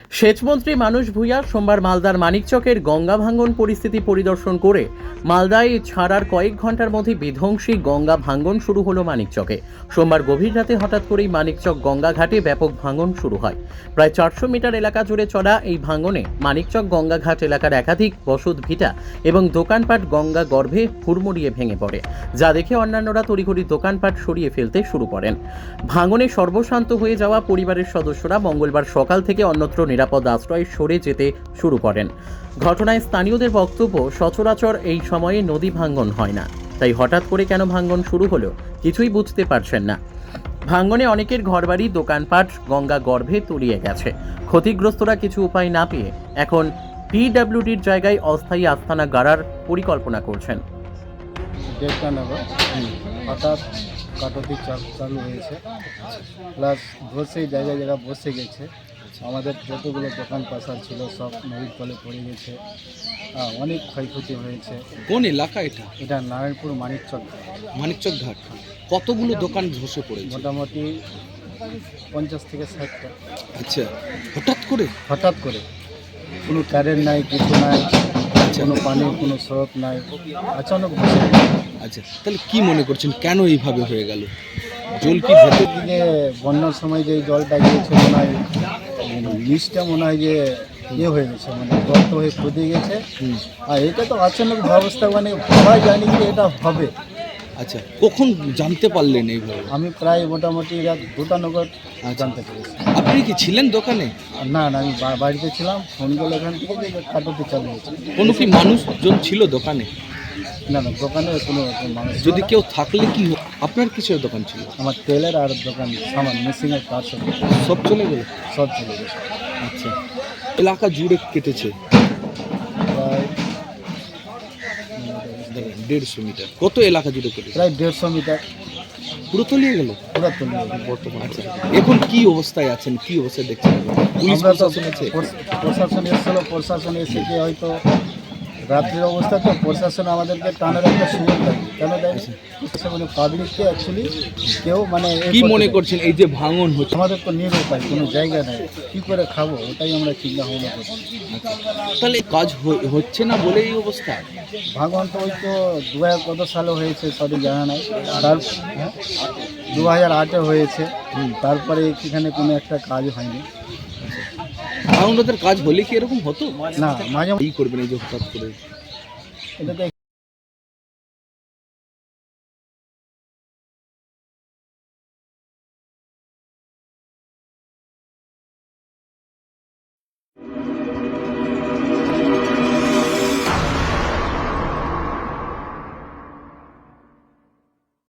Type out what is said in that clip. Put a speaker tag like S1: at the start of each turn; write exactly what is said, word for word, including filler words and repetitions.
S1: সেচমন্ত্রী মানুষ ভূঁইয়া সোমবার মালদার মানিকচকের গঙ্গা ভাঙ্গন পরিস্থিতি পরিদর্শন করে মালদায় ছাড়ার কয়েক ঘন্টার মধ্যে বিধ্বংসী গঙ্গা ভাঙ্গন শুরু হলো মানিকচকে। সোমবার গভীর রাতে হঠাৎ করেই মানিকচক গঙ্গা ঘাটে ব্যাপক ভাঙন শুরু হয়। প্রায় চারশো মিটার এলাকা জুড়ে চলা এই ভাঙনে মানিকচক গঙ্গা ঘাট এলাকার একাধিক বসত ভিটা এবং দোকানপাট গঙ্গা গর্ভে হুড়মুড়িয়ে ভেঙে পড়ে, যা দেখে অন্যান্যরা তড়িঘড়ি দোকানপাট সরিয়ে ফেলতে শুরু করেন। ভাঙনে সর্বশান্ত হয়ে যাওয়া পরিবারের সদস্যরা মঙ্গলবার সকাল থেকে অন্যত্র নিরাপদ আশ্রয়ে সরে যেতে শুরু করেন। ঘটনায় স্থানীয়দের বক্তব্য, সচরাচর এই সময়ে নদী ভাঙ্গন হয় না, তাই হঠাৎ করে কেন ভাঙ্গন শুরু হলো কিছুই বুঝতে পারছেন না। ভাঙ্গনে অনেকের ঘরবাড়ি দোকানপাট গঙ্গা গর্ভে তলিয়ে গেছে। ক্ষতিগ্রস্তরা কিছু উপায় না পেয়ে এখন পিডব্লিউডির জায়গায় অস্থায়ী আস্তানা গাড়ার পরিকল্পনা করছেন।
S2: দেড়টা নাগাদ হঠাৎ কাটতি চালু হয়েছে, প্লাস বসে জায়গায় জায়গায় বসে গেছে। আমাদের যতগুলো দোকান পাশার ছিল সব নদীর তলে পড়ে গেছে, অনেক ক্ষয়ক্ষতি হয়েছে।
S3: কোন এলাকা এটা?
S2: এটা নারায়ণপুর মানিকচক
S3: মানিকচক ঘাট। কতগুলো দোকান ধসে পড়েছে?
S2: মোটামুটি পঞ্চাশ থেকে ষাটটা।
S3: আচ্ছা, হঠাৎ করে
S2: হঠাৎ করে কোনো কারেন্ট নাই, কিছু নাই, কোনো পানির কোনো স্রোত নাই, আচানক বসে গেছে।
S3: আচ্ছা, তাহলে কি মনে করছেন কেন এইভাবে হয়ে গেল? জল কি ভেতর
S2: দিকে বন্যার সময় যে জলটা গিয়েছে মনে হয় নিচটা মনে হয় যে ইয়ে হয়ে গেছে, মানে গর্ত হয়ে খুঁজে গেছে। আর এটা তো আচানক ব্যবস্থা, মানে সবাই জানি যে এটা হবে।
S3: আচ্ছা, কখন জানতে পারলেন এইভাবে?
S2: আমি প্রায় মোটামুটি রাত দুটা নগর জানতে পেরেছি।
S3: আপনি কি ছিলেন দোকানে?
S2: না না, আমি বা- বাড়িতে ছিলাম। ফোন করলে এখান থেকে যে কাটতে চালু হয়েছে।
S3: কোনো কি মানুষজন ছিল দোকানে?
S2: না না, দোকানে কোনো রকম মানুষ ছিল
S3: যদি
S2: না।
S3: কেউ থাকলে কি হতো? আপনার কিসের দোকান ছিল?
S2: আমার তেলের আর দোকান সামান মেশিনের কাজ সব
S3: সব চলে গেল?
S2: সব চলে গেছে।
S3: আচ্ছা, এলাকা জুড়ে কেটেছে
S2: প্রায়
S3: দেড়শো মিটার। কত এলাকা জুড়ে কেটেছে?
S2: প্রায় দেড়শো মিটার
S3: পুরো তলিয়ে গেল
S2: পুরো তলিয়ে গেছে।
S3: বর্তমানে। আচ্ছা, এখন কি অবস্থায় আছেন? কি অবস্থায় দেখছেন? পুলিশ
S2: আমরা তো
S3: প্রশাসন আছে?
S2: প্রশ- প্রশাসন এসেছিল, প্রশাসন এসে কি হয়তো রাত্রির অবস্থা, তো প্রশাসন আমাদেরকে টানার একটা সুযোগ দেয়। কেন দেয়? মানে পাবলিককে অ্যাকচুয়ালি কেউ মানে এ
S3: কি
S2: করতে
S3: মনে
S2: দেয়।
S3: করছেন এই যে ভাঙন হচ্ছে?
S2: আমাদের তো নিরুপায়, কোনো জায়গা নেই, কী করে খাবো ওটাই আমরা চিন্তা ভাবনা করছি।
S3: তাহলে কাজ হ- হচ্ছে না বলে এই অবস্থা?
S2: ভাগবান তো ওই তো দু হাজার কত সালে হয়েছে সঠিক জানা নাই, তার দু হাজার আটে হয়েছে। তারপরে এখানে কোনো একটা কাজ হয়নি।
S3: ভাঙনদের কাজ হলে কি এরকম হতো
S2: না, মাঝে
S3: এই করবেন এই যে হঠাৎ করে?
S2: এটা তো